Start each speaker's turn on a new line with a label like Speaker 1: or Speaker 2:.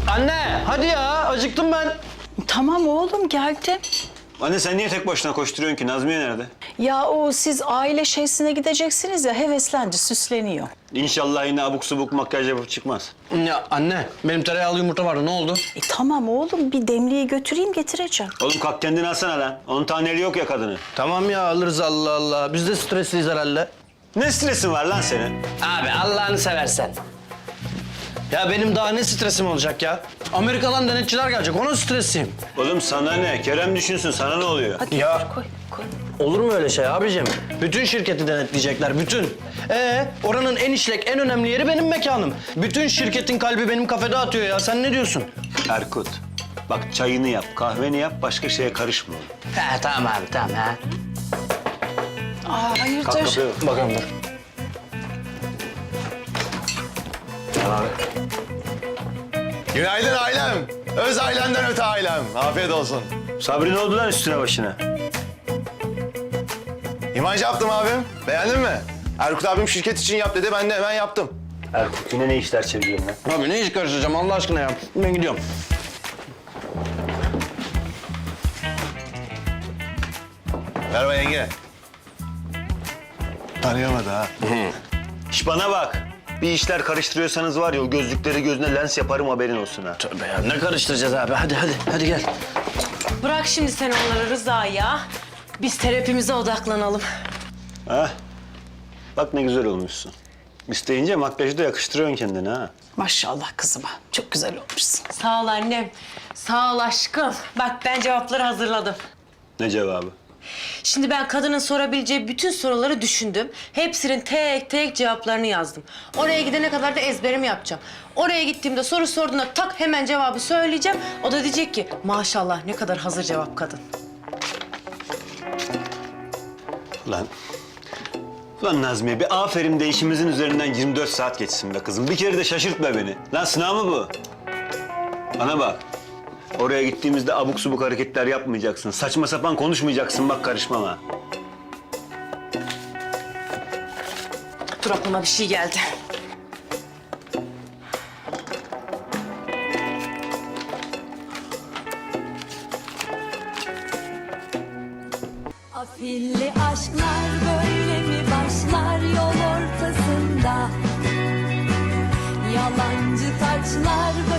Speaker 1: Anne hadi ya acıktım ben.
Speaker 2: Tamam oğlum geldim.
Speaker 3: Anne sen niye tek başına koşturuyorsun ki? Nazmiye nerede?
Speaker 2: Ya o siz aile şeysine gideceksiniz ya heveslendi süsleniyor.
Speaker 3: İnşallah yine abuk subuk makyaj yapıp çıkmaz.
Speaker 1: Ya anne benim tereyağlı yumurta vardı ne oldu?
Speaker 2: Tamam oğlum bir demliği götüreyim getireceğim.
Speaker 3: Oğlum kalk kendini alsana lan. 10 taneli yok ya kadını.
Speaker 1: Tamam ya alırız Allah Allah. Biz de stresliyiz herhalde.
Speaker 3: Ne stresin var lan senin?
Speaker 1: Abi Allah'ını seversen. Ya benim daha ne stresim olacak ya? Amerika'dan denetçiler gelecek onun stresiyim.
Speaker 3: Oğlum sana ne? Kerem düşünsün sana ne oluyor?
Speaker 2: Hadi
Speaker 1: Ya.
Speaker 2: koy koy.
Speaker 1: Olur mu öyle şey abicim? Bütün şirketi denetleyecekler, bütün. Oranın en işlek, en önemli yeri benim mekanım. Bütün şirketin kalbi benim kafede atıyor ya. Sen ne diyorsun?
Speaker 3: Erkut. Bak çayını yap, kahveni yap, başka şeye karışma.
Speaker 1: He tamam abi, tamam ha.
Speaker 2: Aa
Speaker 3: Kalk
Speaker 2: hayırdır?
Speaker 3: kapıya bak.
Speaker 1: Bakalım dur. Tamam abi.
Speaker 4: Günaydın ailem. Öz ailemden öte ailem. Afiyet olsun.
Speaker 3: Sabri ne oldu lan üstüne başına?
Speaker 4: İmaj yaptım abim. Beğendin mi? Erkut abim şirket için yap dedi. Ben de hemen yaptım.
Speaker 3: Erkut yine ne işler çeviriyorsun lan?
Speaker 1: Abi ne iş karıştıracağım Allah aşkına ya. Ben gidiyorum.
Speaker 4: Merhaba yenge. Tanıyamadı ha.
Speaker 3: İş bana bak. Bir işler karıştırıyorsanız var ya o gözlükleri gözüne lens yaparım haberin olsun ha.
Speaker 1: Tövbe ya ne karıştıracağız abi? Hadi gel.
Speaker 5: Bırak şimdi sen onları Rıza ya. Biz terapimize odaklanalım.
Speaker 3: Ha? Bak ne güzel olmuşsun. İsteyince makyajı da yakıştırıyorsun kendine ha.
Speaker 2: Maşallah kızıma çok güzel olmuşsun.
Speaker 5: Sağ ol annem. Sağ ol aşkım. Bak ben cevapları hazırladım.
Speaker 3: Ne cevabı?
Speaker 5: Şimdi ben kadının sorabileceği bütün soruları düşündüm. Hepsinin tek tek cevaplarını yazdım. Oraya gidene kadar da ezberimi yapacağım. Oraya gittiğimde soru sorduğunda tak hemen cevabı söyleyeceğim. O da diyecek ki maşallah ne kadar hazır cevap kadın.
Speaker 3: Ulan Nazmiye bir aferin de işimizin üzerinden 24 saat geçsin be kızım. Bir kere de şaşırtma beni. Lan sınav mı bu? Bana bak. Oraya gittiğimizde abuk subuk hareketler yapmayacaksın. Saçma sapan konuşmayacaksın bak karışmam ha.
Speaker 5: Dur aklıma bir şey geldi.
Speaker 6: Afilli aşklar böyle mi başlar yol ortasında? Yalancı taçlar